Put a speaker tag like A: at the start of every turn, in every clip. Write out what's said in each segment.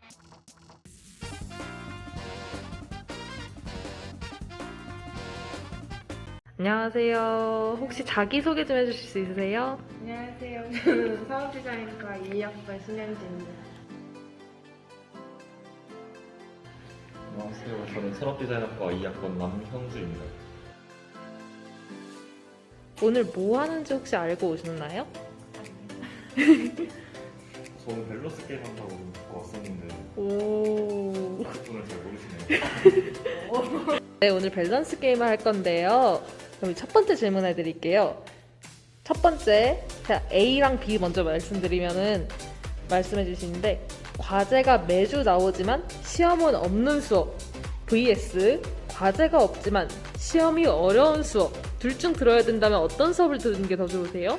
A: 안녕하세요. 혹시 자기소개 좀 해주실 수 있으세요?
B: 안녕하세요. 저는 사업디자인과 2학번 신현지입니다.
C: 안녕하세요. 저는 산업디자인학과 2학번 남형주입니다.
A: 오늘 뭐 하는지 혹시 알고 오셨나요?
C: 저는 밸런스 게임 한다고 듣고 왔었는데
A: 오.
C: 그분을 잘 모르시네요.
A: 네, 오늘 밸런스 게임을 할 건데요. 그럼 첫 번째 질문 해드릴게요. 첫 번째, 제가 A랑 B 먼저 말씀드리면은 말씀해 주시는데, 과제가 매주 나오지만 시험은 없는 수업 vs 과제가 없지만 시험이 어려운 수업, 둘 중 들어야 된다면 어떤 수업을 듣는 게 더 좋으세요?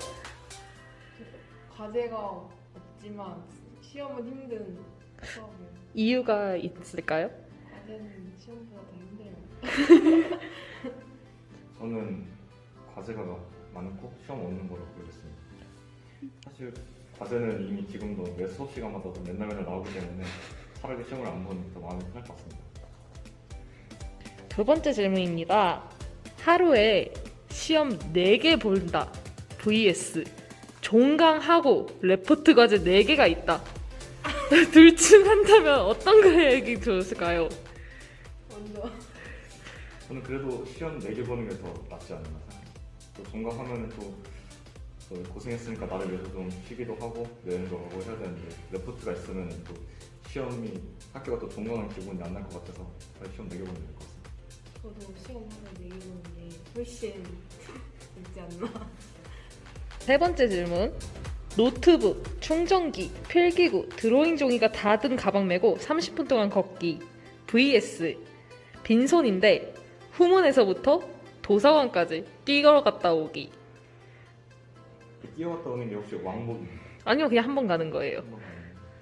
B: 과제가 없지만 시험은 힘든 수업이에요.
A: 이유가 있을까요?
B: 과제는 시험보다 더 힘들어요.
C: 저는 과제가 많고 시험 없는 거라고 보겠습니다. 사실 과제는 이미 지금도 매 수업 시간마다 맨날 나오기 때문에 차라리 시험을 안 보는 게 더 마음이 편할 것 같습니다.
A: 두 번째 질문입니다. 하루에 시험 4개 본다 vs 종강하고 레포트 과제 4개가 있다. 둘 중 한다면 어떤 거에 좋을까요?
B: 먼저
C: 저는 그래도 시험 4개 보는 게 더 낫지 않나 생각해요. 또 종강하면 또 고생했으니까 나를 위해서 좀 쉬기도 하고 여행도 가고 해야 되는데 레포트가 있으면 또 시험이 학교가 또 종강한 기분이 안 날 것 같아서 차라리 시험 4개 보는 게 나을 것 같습니다.
B: 저도 시험 하나 내기 보는 게 훨씬 있지 않나.
A: 세 번째 질문. 노트북, 충전기, 필기구, 드로잉 종이가 다 든 가방 메고 30분 동안 걷기 vs 빈손인데 후문에서부터 도서관까지 뛰어 갔다 오기.
C: 뛰어갔다 오는 게 혹시 왕복입니까?
A: 아니요, 그냥 한 번 가는 거예요.
C: 한번 가는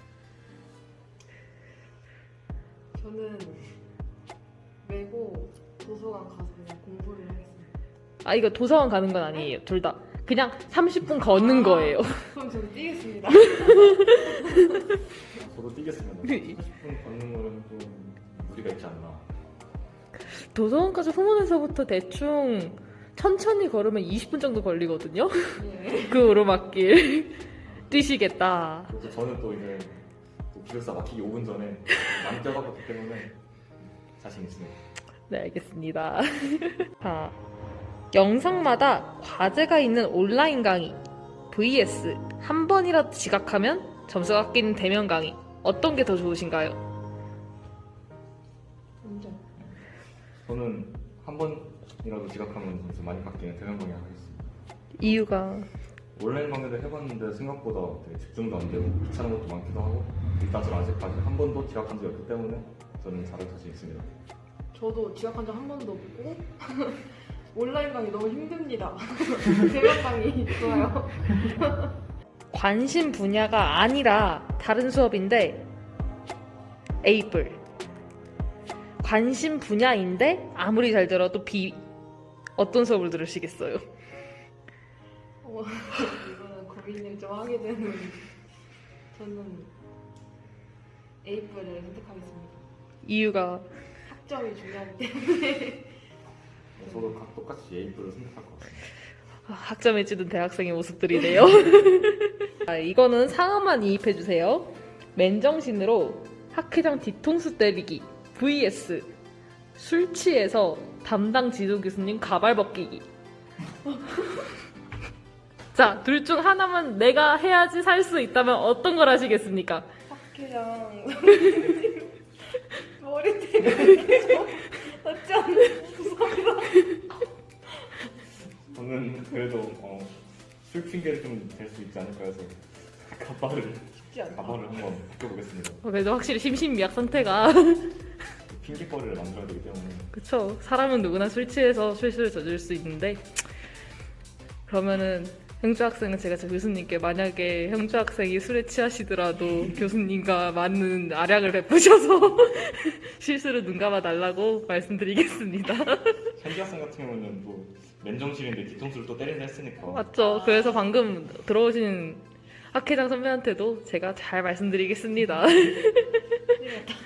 C: 거.
B: 저는 메고 도서관 가서 그냥 공부를 하겠습니다.
A: 아, 이거 도서관 가는 건 아니에요. 둘 다. 그냥 30분 걷는 거예요.
B: 그럼 저는 뛰겠습니다.
C: 저도 뛰겠습니다. 30분 걷는 거는 좀 무리가 있지 않나.
A: 도서관까지 후문에서부터 대충 천천히 걸으면 20분 정도 걸리거든요.
B: 네.
A: 그 오르막길 뛰시겠다.
C: 그래서 저는 또 이제 또 기숙사 막히기 5분 전에 많이 뛰어갔기 때문에 자신 있습니다.
A: 네, 알겠습니다. 자, 영상마다 과제가 있는 온라인 강의 vs 한 번이라도 지각하면 점수가 깎이는 대면 강의, 어떤 게 더 좋으신가요?
B: 먼저
C: 저는 한 번이라도 지각하면 점수 많이 깎이는 대면 강의 하겠습니다.
A: 이유가
C: 온라인 강의를 해봤는데 생각보다 되게 집중도 안 되고 귀찮은 것도 많기도 하고 일단 저는 아직까지 한 번도 지각한 적이 없기 때문에 저는 잘할 자신 있습니다.
B: 저도 지각한 적 한 번도 없고 온라인 강의 너무 힘듭니다. 대면 강의 좋아요.
A: 관심 분야가 아니라 다른 수업인데 A뿔, 관심 분야인데 아무리 잘 들어도 B, 어떤 수업을 들으시겠어요?
B: 이거는 고민을 좀 하게 되는. 저는 A뿔을 선택하겠습니다.
A: 이유가
B: 학점이 중요하기 때문에.
C: 저도 똑같이 A뿔을 선택할 것 같습니다.
A: 학점에 찌든 대학생의 모습들이네요. 아, 이거는 상황만 이입해주세요. 맨정신으로 학회장 뒤통수 때리기 vs 술 취해서 담당 지도 교수님 가발 벗기기. 자, 둘 중 하나만 내가 해야지 살 수 있다면 어떤 걸 하시겠습니까?
B: 학회장 머리 때리는 게좀 낫지 않나 무섭다.
C: 저는 그래도 술 핑계를 좀 댈 수 있지 않을까 해서
B: 쉽지 않다.
C: 가발을 한번 바꿔보겠습니다.
A: 그래도 확실히 심신미약 선택아.
C: 핑계거리를 만들어야 되기 때문에
A: 그쵸. 사람은 누구나 술 취해서 실수를 저질 수 있는데, 그러면은 형주 학생은 제가 저 교수님께 만약에 형주 학생이 술에 취하시더라도 교수님과 맞는 아량을 베푸셔서 실수를 눈감아 달라고 말씀드리겠습니다.
C: 현지 학생 같은 경우는 또 맨정신인데 뒤통수를 또 때린다 했으니까
A: 맞죠? 그래서 방금 들어오신 학회장 선배한테도 제가 잘 말씀드리겠습니다.
B: 때리겠다.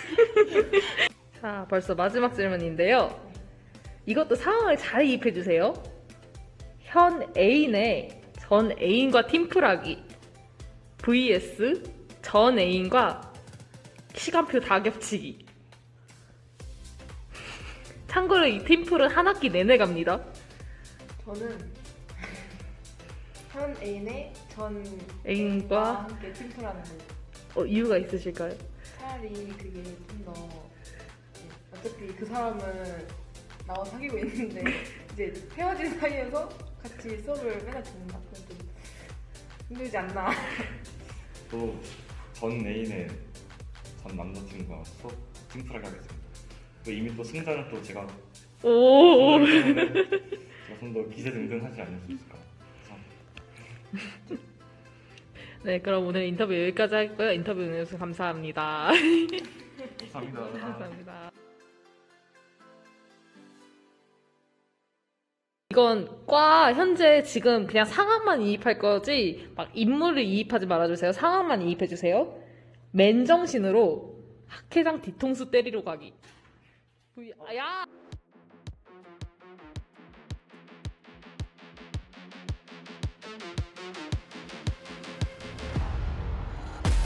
A: 자, 벌써 마지막 질문인데요. 이것도 상황을 잘 이입해 주세요. 현 애인의 전 애인과 팀플하기 vs 전 애인과 시간표 다 겹치기. 참고로 이 팀플은 한 학기 내내 갑니다.
B: 저는 현 애인의 전
A: 애인과
B: 함께 팀플하는 거.
A: 이유가 있으실까요?
B: 차라리 그게 좀 더 어차피 그 사람은 나와 사귀고 있는데 이제 헤어진 사이에서 같이 수업을 맨날 듣는다. 그건 좀 힘들지 않나.
C: 또 전 애인의 전 남자친구가 수업 팀플하게 하겠습니다. 또 이미 또 승자는 또 제가
A: 오.
C: 제가 좀 더 기세등등하지 않을 수 있을까. 감사합니다.
A: 네, 그럼 오늘 인터뷰 여기까지 하고요. 인터뷰 응해주셔서 감사합니다.
C: 감사합니다.
A: 감사합니다. 이건 과 현재 지금 그냥 상황만 이입할 거지 막 인물을 이입하지 말아주세요. 상황만 이입해주세요. 맨정신으로 학회장 뒤통수 때리러 가기. 야!